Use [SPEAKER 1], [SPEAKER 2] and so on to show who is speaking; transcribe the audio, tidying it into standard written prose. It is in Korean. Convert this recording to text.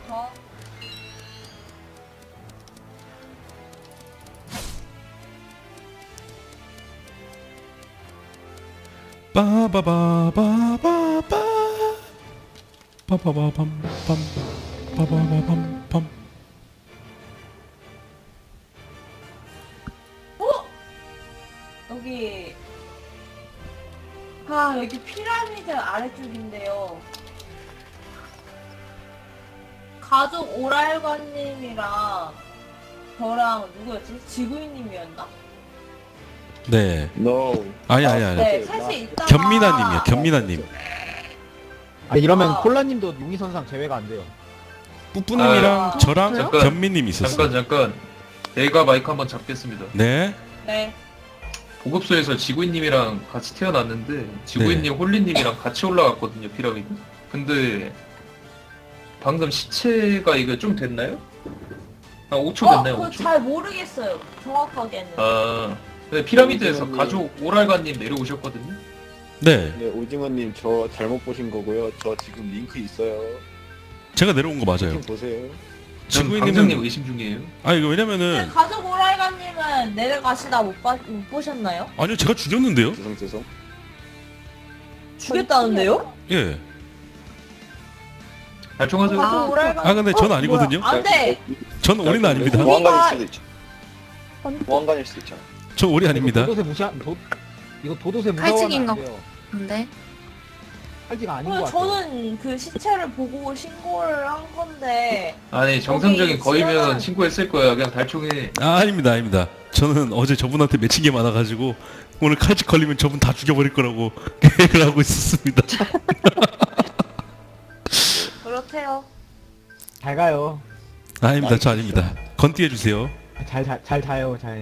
[SPEAKER 1] 더.
[SPEAKER 2] 빠바바바바바 빠바바밤밤 빠바바밤밤.
[SPEAKER 1] 여기 여기 피라미드 아래쪽인데요. 가족 오랄관님이랑 저랑 누구였지? 지구인님이었나?
[SPEAKER 2] 네.
[SPEAKER 3] No.
[SPEAKER 2] 아니.
[SPEAKER 1] 네, 셋이 있다가
[SPEAKER 2] 견민아님이요. 견민아님.
[SPEAKER 4] 아 이러면
[SPEAKER 1] 아.
[SPEAKER 4] 콜라님도 용의선상 제외가 안 돼요.
[SPEAKER 2] 뿌뿌님이랑 저랑
[SPEAKER 5] 잠깐.
[SPEAKER 2] 견민님 있었어요.
[SPEAKER 5] 잠깐 내가 마이크 한번 잡겠습니다.
[SPEAKER 2] 네.
[SPEAKER 1] 네.
[SPEAKER 5] 보급소에서 지구인님이랑 같이 태어났는데 지구인님, 홀리님이랑 같이 올라갔거든요, 피라미드. 근데 방금 시체가 이거 좀 됐나요? 한 5초 됐나요?
[SPEAKER 1] 그거
[SPEAKER 5] 5초?
[SPEAKER 1] 잘 모르겠어요. 정확하게는.
[SPEAKER 5] 아, 근데 피라미드에서
[SPEAKER 3] 오징어님.
[SPEAKER 5] 가족 오랄관님 내려오셨거든요.
[SPEAKER 2] 네.
[SPEAKER 3] 네, 오징어님 저 잘못 보신 거고요. 저 지금 링크 있어요.
[SPEAKER 2] 제가 내려온 거 맞아요.
[SPEAKER 3] 좀 보세요.
[SPEAKER 5] 전
[SPEAKER 2] 지구인님은-
[SPEAKER 5] 방장님 의심 중이에요.
[SPEAKER 2] 아 이거
[SPEAKER 1] 근데
[SPEAKER 2] 왜냐면은
[SPEAKER 1] 가족 오랄관님은 내려가시다 못 보셨나요?
[SPEAKER 2] 아니요 제가 죽였는데요.
[SPEAKER 3] 죄송.
[SPEAKER 1] 죽였다는데요?
[SPEAKER 2] 예.
[SPEAKER 5] 발총하세요.
[SPEAKER 1] 가족 오랄관.
[SPEAKER 2] 아 근데 전 아니거든요.
[SPEAKER 1] 안 돼.
[SPEAKER 2] 전 올인 아닙니다.
[SPEAKER 3] 보안관일 수도 있죠. 보안관일 수도 있죠.
[SPEAKER 2] 저 올인 아닙니다.
[SPEAKER 4] 이거 도도새
[SPEAKER 6] 칼직인
[SPEAKER 4] 무서워하면 안
[SPEAKER 6] 거.
[SPEAKER 4] 돼요.
[SPEAKER 6] 근데
[SPEAKER 4] 칼지가 아닌 것 같아요.
[SPEAKER 1] 저는 그 시체를 보고 신고를 한 건데
[SPEAKER 5] 아니 정상적인
[SPEAKER 1] 거기
[SPEAKER 5] 거이면
[SPEAKER 1] 지나가는-
[SPEAKER 5] 신고했을 거야. 그냥 달총해.
[SPEAKER 2] 아 아닙니다. 저는 어제 저분한테 맺힌 게 많아가지고 오늘 칼집 걸리면 저분 다 죽여버릴 거라고 계획을 하고 있었습니다.
[SPEAKER 1] 그렇대요.
[SPEAKER 4] 잘 가요.
[SPEAKER 2] 아닙니다. 저 아닙니다. 건띠해 주세요.
[SPEAKER 4] 잘 자요. 잘.